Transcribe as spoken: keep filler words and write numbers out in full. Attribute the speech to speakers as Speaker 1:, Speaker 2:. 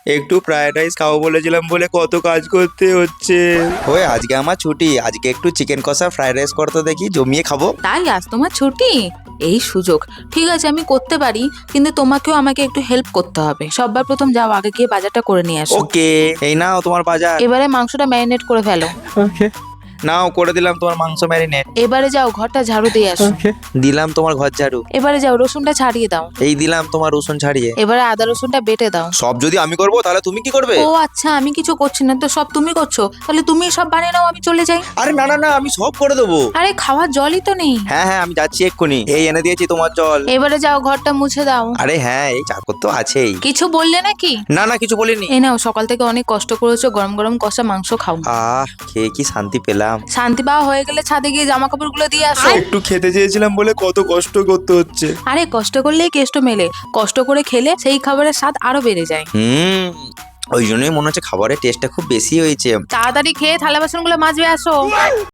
Speaker 1: একটু fried rice খাবো বলেছিলাম বলে কত কাজ করতে হচ্ছে। ওই আজকে আমার ছুটি, আজকে একটু চিকেন কষা ফ্রাইড রাইস করতে দেখি, জমিয়ে খাবো।
Speaker 2: তাই আজ তোমার ছুটি? এই সুযোগ, ঠিক আছে আমি করতে পারি, কিন্তু তোমাকেও আমাকে একটু হেল্প করতে হবে। সবার প্রথম যাও, আগে গিয়ে বাজারটা করে নিয়ে আসো।
Speaker 1: ওকে, এই নাও তোমার বাজার।
Speaker 2: এবারে মাংসটা ম্যারিনেট করে ফেলো।
Speaker 1: ওকে, নাও করে দিলাম তোমার মাংস ম্যারিনেট।
Speaker 2: এবারে যাও ঘরটা ঝাড়ু দিয়ে আসো।
Speaker 1: দিলাম তোমার ঘর ঝাড়ু।
Speaker 2: এবারে যাও রসুনটা ছাড়িয়ে দাও।
Speaker 1: এই দিলাম তোমার রসুন ছাড়িয়ে।
Speaker 2: এবারে আদা রসুনটা বেটে দাও।
Speaker 1: সব যদি আমি করবো তাহলে তুমি কি করবে?
Speaker 2: ও আচ্ছা, আমি কিছু করছি না তো, সব তুমি করছো? তাহলে তুমি সব বানিয়ে নাও, আমি চলে যাই।
Speaker 1: আরে না না না, আমি সব করে দেবো।
Speaker 2: আরে খাওয়ার জলই তো নেই।
Speaker 1: হ্যাঁ হ্যাঁ, আমি যাচ্ছি এক্ষুনি। এই এনে দিয়েছি তোমার জল।
Speaker 2: এবারে যাও ঘরটা মুছে দাও।
Speaker 1: আরে হ্যাঁ, এই চাকর তো আছেই।
Speaker 2: কিছু বললে নাকি?
Speaker 1: না না, কিছু বলিনি।
Speaker 2: এই নাও, সকাল থেকে অনেক কষ্ট করেছো, গরম গরম কষা মাংস খাও।
Speaker 1: আহ, খেয়ে কি শান্তি পেলাম।
Speaker 2: শান্তি পাওয়া হয়ে গেলে ছাদে গিয়ে জামা কাপড় গুলো দিয়ে আসো।
Speaker 1: একটু খেতে চেয়েছিলাম বলে কত কষ্ট করতে হচ্ছে।
Speaker 2: আরে কষ্ট করলেই কেষ্ট মেলে, কষ্ট করে খেলে সেই খাবারের স্বাদ আরো বেড়ে যায়।
Speaker 1: হুম, ওই জন্যই মনে হচ্ছে খাবারের টেস্টটা খুব বেশি হয়েছে।
Speaker 2: তাড়াতাড়ি খেয়ে থালা বাসনগুলো মাজবে আসো।